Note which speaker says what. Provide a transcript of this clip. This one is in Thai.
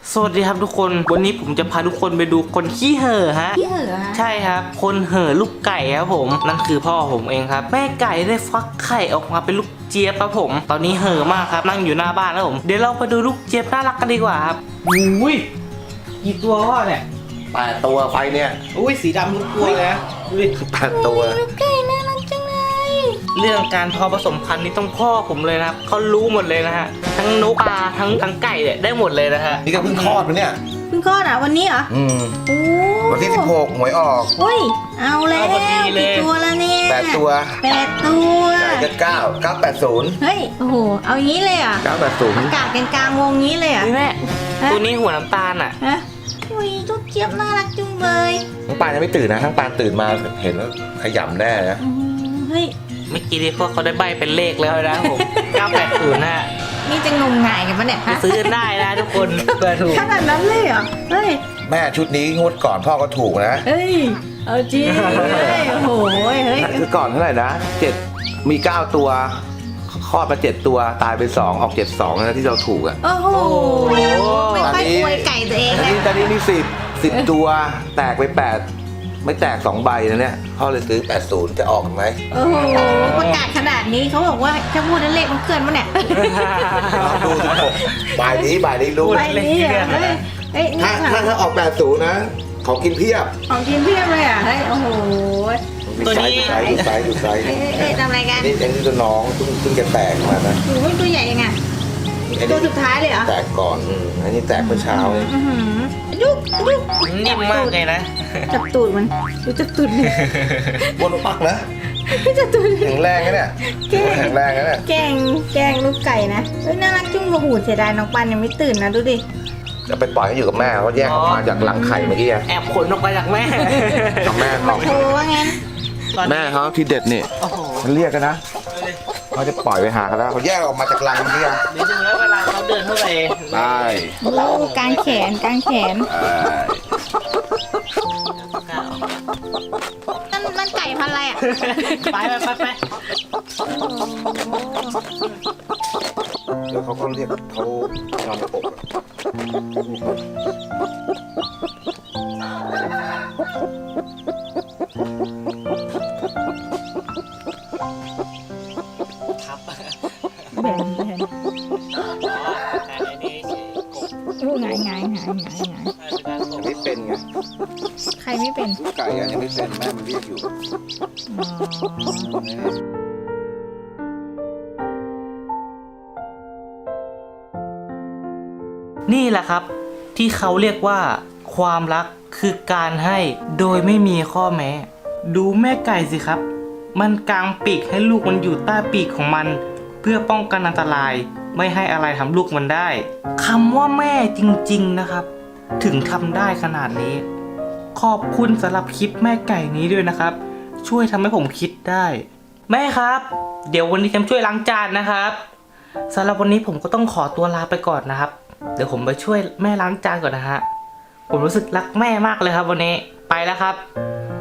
Speaker 1: สวัสดีครับทุกคนวันนี้ผมจะพาทุกคนไปดูคนขี้เห่อฮะ
Speaker 2: ขี้เห่อฮะ
Speaker 1: ใช่ครับคนเห่อลูกไก่ครับผมนั่นคือพ่อผมเองครับแม่ไก่ได้ฟักไข่ออกมาเป็นลูกเจี๊ยบครับผมตอนนี้เห่อมากครับนั่งอยู่หน้าบ้านแล้วผมเดี๋ยวเราไปดูลูกเจี๊ยบน่ารักกันดีกว่าครับอุ้ยกี่ตัวพ่อเนี่ย
Speaker 3: 8 ตัวไฟเนี่ย
Speaker 1: อุ้ยสีดำทุกตัวเลยนะดูดิ
Speaker 3: 8 ตัว
Speaker 2: ลูกไก่น่ารักจังเลย
Speaker 1: เรื่องการเพาะผสมพันธุ์นี่ต้องพ่อผมเลยนะครับเขารู้หมดเลยนะฮะทั้งนกปลาทั้งไก่เนี่ยได้หมดเลยนะฮะ
Speaker 3: นี่ก็เพิ่งคลอดมาเนี่ย
Speaker 2: เพิ่งคลอดอ่ะวันนี้เหรอโอ้
Speaker 3: วันที่16หวยออก
Speaker 2: อุ้ยเอาแล้วกี่ตัวแล้วเนี่ย
Speaker 3: 8 ตัว
Speaker 2: 8 ตัว
Speaker 3: ไก่จะ9 980
Speaker 2: เฮ้ยโอ้โหเอางี้เลยอ่ะ
Speaker 3: 980
Speaker 2: กาดกันกลางวงนี้เลยอ่ะ
Speaker 1: นี่แม่ตัวนี้หัวน้ำตาลอ่ะ
Speaker 2: ฮะอุ้ยลูกเจี๊ยบน่ารักจุงเลย
Speaker 3: ทั้งปานยังไม่ตื่นนะทั้งปานตื่นมาเห็นแล้วขยำแน่นะ
Speaker 2: เฮ้ย
Speaker 1: เมื่อกี้ที่พวกเขาได้ใบเป็นเลขแล้วนะผม980นะ
Speaker 2: นี่จะงมงายกันปะเนี่ย
Speaker 1: ไป
Speaker 2: ฮะ
Speaker 1: ซื้อได้นะทุกคนเปิดถูก
Speaker 2: ขนาดนั้นเลยเหรอเฮ้ย
Speaker 3: แม่ชุดนี้งวดก่อนพ่อก็ถูกนะ
Speaker 2: เฮ้ยเอาจริงเฮ้ยโอ้โหเฮ้ย
Speaker 3: คือก่อนเท่าไหร่นะ7มี9 ตัวคลอดมา7 ตัวตายไป2ออก72นะที่เราถูกอ่ะ
Speaker 2: โอ้โหไม่ค่อยอวยไก่ตัวเอง
Speaker 3: ตอน
Speaker 2: นะ
Speaker 3: นี้มี10ตัวแตกไป8ไม่แตก2ใบนะเนี่ยพ่อเลยซื้อ80จะออกไหม
Speaker 2: โอ้โหประกาศขนาดนี้เขาบอกว่าถ้าพูดนั้นเลขมันเคลื่อนมั้งเนี่ย
Speaker 3: ลองดู16บ่ายนี้รู้
Speaker 2: ไปนี่อ่ะเฮ้ยเฮ้ยนี่
Speaker 3: ถ้าออก80นะของกินเพียบ
Speaker 2: ของกินเพียบเลยอ่ะเฮ้ยโอ้โห
Speaker 1: ตัวนี้
Speaker 3: ดูไซส์
Speaker 2: เฮ้ยทำอะไรกัน
Speaker 3: นี่อันนี้ตัวน้องเพิ่งจะแตกมานะ
Speaker 2: โอ้ยตัวใหญ่ยังไง
Speaker 3: อัน
Speaker 2: ตั
Speaker 3: นี้
Speaker 2: วสุดท้ายเลยเหรอ
Speaker 3: แตกก่อนอันนี้แตกเมื่อเช้าเลย
Speaker 2: อื้อหือยุก
Speaker 1: นิ่มมากเลยนะ
Speaker 2: จับตูดมันดูจับตูดมัน
Speaker 3: บนปักนะ
Speaker 2: จับตูด
Speaker 3: แข็งแรงนะเนี่ยแข็งแรงนะเนี่ย
Speaker 2: แกงลูกไก่นะเฮ้ยน่ารักจุ้งกระหูเสียดายน้องปันยังไม่ตื่นนะดูดิ
Speaker 3: จะไปปล่อยให้อยู่กับแม่เขาแยกออกมาจากรังไข่เมื่อกี้
Speaker 1: แอบขนออกไปจากแม่
Speaker 3: กับแม่
Speaker 2: มา
Speaker 3: เขา
Speaker 2: โชว์ว่างั้น
Speaker 3: แม่เขาที่เด็ดนี่
Speaker 1: โอ้โห
Speaker 3: มันเรียกกันนะเขาจะปล่อยไปหากันแล้วเขาแยกออกมาจากรังเมื่อกี้
Speaker 1: เดี๋ยวดูแล้วเวลาเขาเดินเข้าไป
Speaker 3: ได้
Speaker 2: โอ้กางแขนนั่นไก่พันธุ์อะไรอ่ะ
Speaker 1: ไป
Speaker 3: แล้วเขาก็เรียกเขานอนในอก
Speaker 1: ทับ
Speaker 2: แบนโอ้หงาย
Speaker 3: ยังไม่เป็นไง
Speaker 2: ใครไม่เป็น
Speaker 3: ไก่ยังไม่เป็นแม่มันเรียกอยู่
Speaker 1: นี่แหละครับที่เขาเรียกว่าความรักคือการให้โดยไม่มีข้อแม้ ดูแม่ไก่สิครับมันกางปีกให้ลูกมันอยู่ใต้ปีกของมัน เพื่อป้องกันอันตรายไม่ให้อะไรทำลูกมันได้คำว่าแม่จริงๆนะครับถึงทำได้ขนาดนี้ขอบคุณสำหรับคลิปแม่ไก่นี้ด้วยนะครับช่วยทำให้ผมคิดได้แม่ครับเดี๋ยววันนี้ฉันช่วยล้างจานนะครับสำหรับวันนี้ผมก็ต้องขอตัวลาไปก่อนนะครับเดี๋ยวผมไปช่วยแม่ล้างจานก่อนนะฮะผมรู้สึกรักแม่มากเลยครับวันนี้ไปแล้วครับ